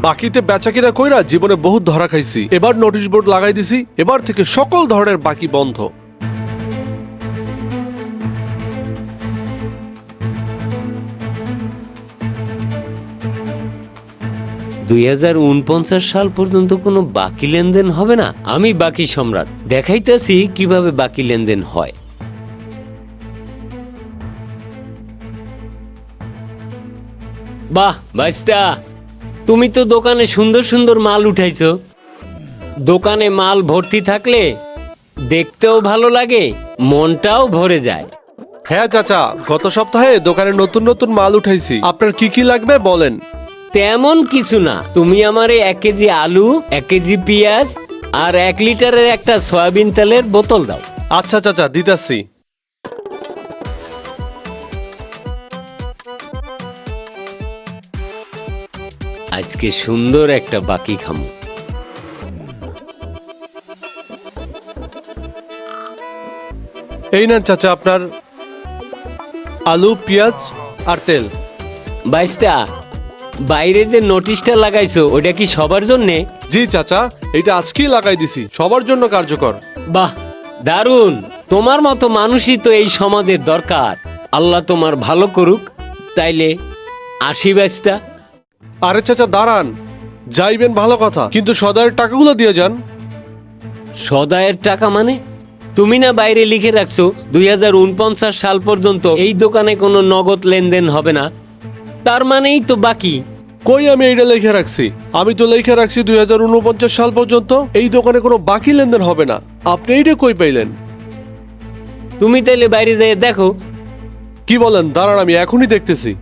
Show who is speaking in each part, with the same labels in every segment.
Speaker 1: বাকিতে বেচাকিনা কইরা জীবনে বহুত ধরা খাইছি। এবার নোটিশ বোর্ড লাগাই দিছি, এবার থেকে সকল ধরনের বাকি বন্ধ।
Speaker 2: সাল পর্যন্ত কোনো বাকি লেনদেন হবে না। আমি বাকি সম্রাট, দেখাইতেছি কিভাবে বাকি লেনদেন হয়। বাহ বাইস্তা, তুমি তো দোকানে সুন্দর সুন্দর মাল উঠাইছো। দোকানে মাল ভর্তি থাকলে দেখতেও ভালো লাগে, মনটাও ভরে যায়।
Speaker 1: হ্যাঁ চাচা, গত সপ্তাহে দোকানে নতুন নতুন মাল উঠাইছি। আপনার কি কি লাগবে বলেন।
Speaker 2: তেমন কিছু না, তুমি আমারে 1 কেজি আলু, 1 কেজি পেঁয়াজ আর 1 লিটারের একটা সয়াবিন তেলের বোতল দাও।
Speaker 1: আচ্ছা চাচা, দিতাছি।
Speaker 2: আজকে সুন্দর একটা বাকি খামু।
Speaker 1: এই নেন চাচা আপনার আলু, পেঁয়াজ আর তেল।
Speaker 2: বাইস্তা, বাইরে যে নোটিশটা লাগাইছো ওটা কি সবার জন্যে?
Speaker 1: জি চাচা, এটা আজকেই লাগাই দিছি, সবার জন্য কার্যকর।
Speaker 2: বাহ, দারুণ। তোমার মতো মানুষই তো এই সমাজের দরকার। আল্লাহ তোমার ভালো করুক। তাইলে আসি বাইস্তা।
Speaker 1: আরে চাচা দাঁড়ান, যাইবেন ভালো কথা, কিন্তু সদায়ের টাকাগুলো দিয়ে যান।
Speaker 2: সদায়ের টাকা মানে? তুমি না বাইরে লিখে রাখছো 2049 সাল পর্যন্ত এই দোকানে কোনো নগদ লেনদেন হবে না, তার মানেই তো বাকি।
Speaker 1: কই আমি এইটা লিখে রাখছি? আমি তো লিখে রাখছি 2049 সাল পর্যন্ত এই দোকানে কোনো বাকি লেনদেন হবে না। আপনি এইটা কই পাইলেন?
Speaker 2: তুমি তাইলে বাইরে যেয়ে দেখো।
Speaker 1: কি বলেন? দাঁড়ান, আমি এখনই দেখতেছি।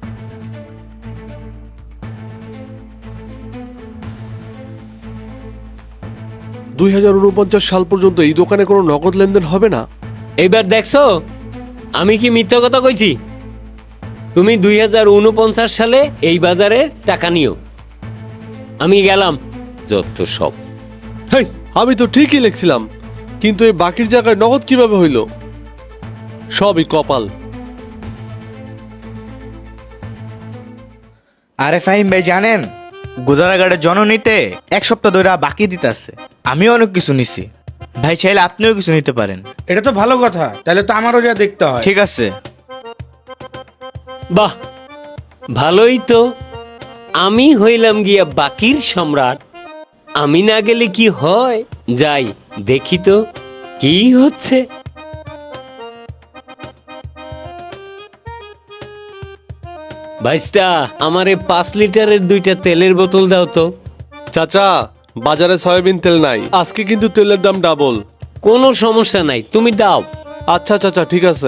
Speaker 1: সাল পর্যন্ত এই দোকানে কোনো নগদ লেনদেন হবে না।
Speaker 2: এইবার দেখছো আমি কি মিথ্যা কথা কইছি? তুমি 2049 সালে এই বাজারে টাকা নিও। আমি গেলাম। যত সব।
Speaker 1: হেই, আমি তো ঠিকই লিখছিলাম, কিন্তু এই বাকির জায়গায় নগদ কিভাবে হইল? সবই কপাল।
Speaker 3: আরে ফাহিম ভাই, জানেন গোদারাঘাটের জননীতে 1 সপ্তাহ ধরে বাকি দিতেছে। আমিও অনেক কিছু নিছি ভাই, চাইলে আপনিও কিছু নিতে পারেন।
Speaker 4: এটা তো ভালো কথা, তাহলে তো আমারও যা দেখতে হয়।
Speaker 3: ঠিক আছে।
Speaker 2: বাহ, ভালোই তো। আমি হইলাম গিয়া বাকির সম্রাট। আমি না গেলে কি হয়? যাই দেখি তো কি হচ্ছে। ভাইস্তা, আমারে 5 লিটারের 2টা তেলের বোতল দাও তো।
Speaker 1: চাচা, বাজারে সয়াবিন তেল নাই, আজকে কিন্তু তেলের দাম ডাবল।
Speaker 2: কোনো সমস্যা নাই, তুমি দাও।
Speaker 1: আচ্ছা চাচা, ঠিক আছে।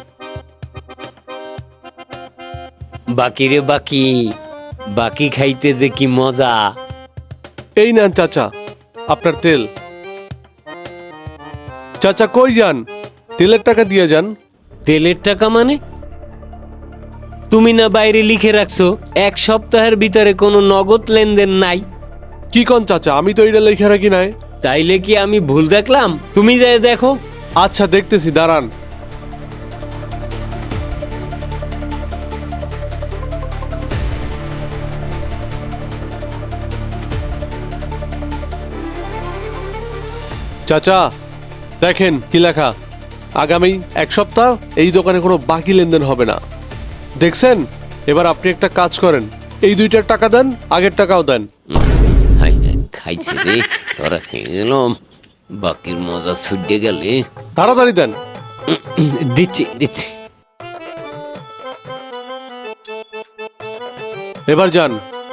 Speaker 2: বাকি রে বাকি, বাকি খাইতে যে কি মজা।
Speaker 1: এই নেন চাচা আপনার তেল। চাচা কই যান? তেলের টাকা দিয়ে যান।
Speaker 2: তেলের টাকা মানে? তুমি না বাইরে লিখে রাখছো 1 সপ্তাহের ভিতরে কোনো নগদ লেনদেন নাই।
Speaker 1: কি কোন চাচা? আমি তো এটা লিখে রাখি নাই।
Speaker 2: তাইলে কি আমি ভুল দেখলাম? তুমি যাই দেখো।
Speaker 1: আচ্ছা দেখতেছি, দাঁড়ান। চাচা দেখেন কি লেখা, আগামী 1 সপ্তাহ এই দোকানে কোনো বাকি লেনদেন হবে না। দেখছেন? এবার আপনি একটা কাজ করেন, এই 2টার টাকা দেন, আগের টাকাও দেন।
Speaker 2: হাই হাই, খাইছি রে, তোরা খেয়ে গেলাম। বাকির মজা ছুটে গেলে।
Speaker 1: তাড়াতাড়ি দেন।
Speaker 2: দিচ্ছি দিচ্ছি।
Speaker 1: এবার যান।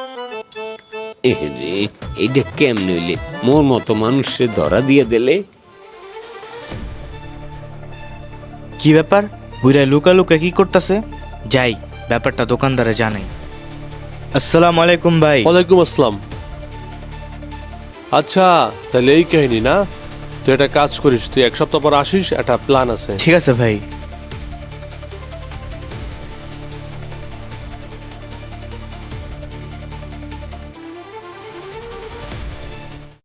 Speaker 2: রে, এইটা কেমনে হইলে? মোর মতো মানুষে ধরা দিয়ে দিলে।
Speaker 3: কি ব্যাপার? বুড়া লুকা লুকা কি করতেছে? যাই, ব্যাপারটা দোকানদারে জানাই। আসসালামু আলাইকুম ভাই।
Speaker 1: ওয়ালাইকুম আসসালাম। আচ্ছা, তাহলে এই কাহিনী না? তুই একটা কাজ করিস, তুই 1 সপ্তাহ পর আসিস, একটা প্ল্যান আছে।
Speaker 3: ঠিক আছে ভাই।